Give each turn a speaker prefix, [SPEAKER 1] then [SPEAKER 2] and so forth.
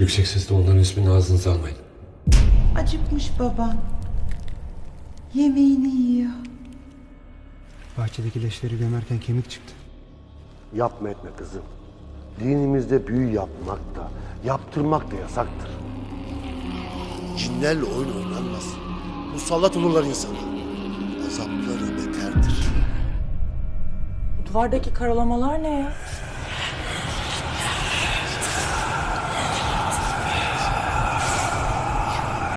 [SPEAKER 1] Yüksek sesle onların ismini ağzınıza almayın.
[SPEAKER 2] Acıkmış baban. Yemeğini yiyor.
[SPEAKER 3] Bahçedeki leşleri gömerken kemik çıktı.
[SPEAKER 4] Yapma etme kızım. Dinimizde büyü yapmak da, yaptırmak da yasaktır. Cinlerle oyun oynanmaz. Musallat olurlar insana. Azapları beterdir.
[SPEAKER 5] Bu duvardaki karalamalar ne ya?